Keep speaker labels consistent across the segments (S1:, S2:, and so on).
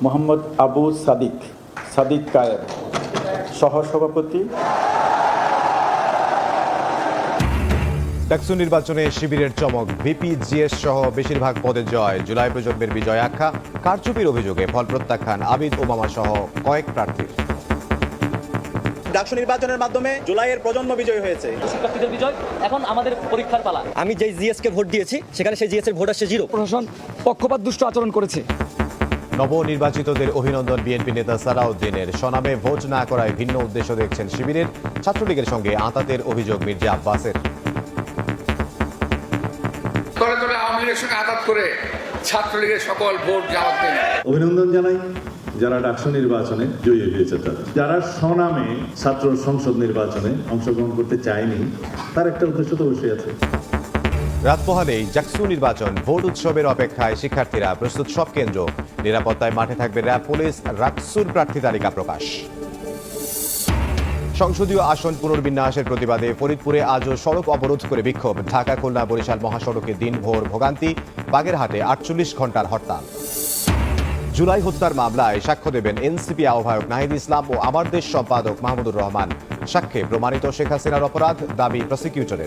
S1: মোহাম্মদ আবু সাদিক কায়ের, সহসভাপতি।
S2: ডাকসু নির্বাচনে শিবিরের চমক, ভিপি, জিএস সহ বেশিরভাগ পদে জয়। জুলাই প্রজন্মের বিজয় আখ্যা, কারচুপির অভিযোগে ফল প্রত্যাখ্যান আবিদ ওবামা সহ কয়েক প্রার্থীর।
S3: ডাকসু নির্বাচনের মাধ্যমে জুলাইয়ের প্রজন্ম বিজয় হয়েছে।
S4: শিক্ষার্থীদের বিজয়, এখন আমাদের পরীক্ষার পালা।
S5: আমি যেই জিএস কে ভোট দিয়েছি সেখানে সেই জিএস এর ভোট আসছে 0।
S6: প্রশাসন পক্ষপাত দুষ্ট আচরণ করেছে।
S2: নবনির্বাচিতদের অভিনন্দন বিএনপি নেতা সালাউদ্দিনের। সনামে ভোট না করায় ভিন্ন উদ্দেশ্য দেখছেন শিবিরের। ছাত্রলীগের সঙ্গে আঁতাতের অভিযোগ মির্জা আব্বাসের।
S7: তলে তলে আওয়ামী লীগের সঙ্গে আঘাত করে ছাত্রলীগের সকল ভোট জামাত দেন।
S8: অভিনন্দন জানাই যারা ডাকসু নির্বাচনে জয়ী হয়েছে, যারা স্বনামে ছাত্র সংসদ নির্বাচনে অংশগ্রহণ করতে চায়নি, তার একটা উদ্দেশ্য তো অবশ্যই আছে।
S2: রাত পোহালেই ডাকসু নির্বাচন, ভোট উৎসবের অপেক্ষায় শিক্ষার্থীরা। প্রস্তুত সব কেন্দ্র, নিরাপত্তায় মাঠে থাকবে র্যাব, পুলিশ। ডাকসুর প্রার্থী তালিকা প্রকাশ। সংসদীয় আসন পুনর্বিন্যাসের প্রতিবাদে ফরিদপুরে আজও সড়ক অবরোধ করে বিক্ষোভ। ঢাকা খুলনা বরিশাল মহাসড়কে দিনভর ভোগান্তি। বাগেরহাটে 48 ঘন্টার হরতাল। জুলাই হত্যার মামলায় সাক্ষ্য দেবেন এনসিপি আহ্বায়ক নাহিদ ইসলাম ও আমার দেশ সম্পাদক মাহমুদুর রহমান। সাক্ষ্যে প্রমাণিত শেখ হাসিনার অপরাধ, দাবি প্রসিকিউটরের।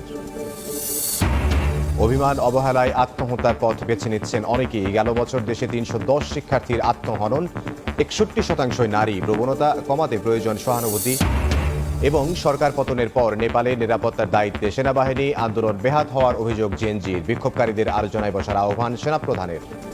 S2: অভিমান অবহেলায় আত্মহত্যার পথ বেছে নিচ্ছেন অনেকেই। গেল বছর দেশে 310 শিক্ষার্থীর আত্মহনন। 61% নারী। প্রবণতা কমাতে প্রয়োজন সহানুভূতি। এবং সরকার পতনের পর নেপালে নিরাপত্তার দায়িত্বে সেনাবাহিনী। আন্দোলন বেহাত হওয়ার অভিযোগ জেএনজির। বিক্ষোভকারীদের আলোচনায় বসার আহ্বান সেনাপ্রধানের।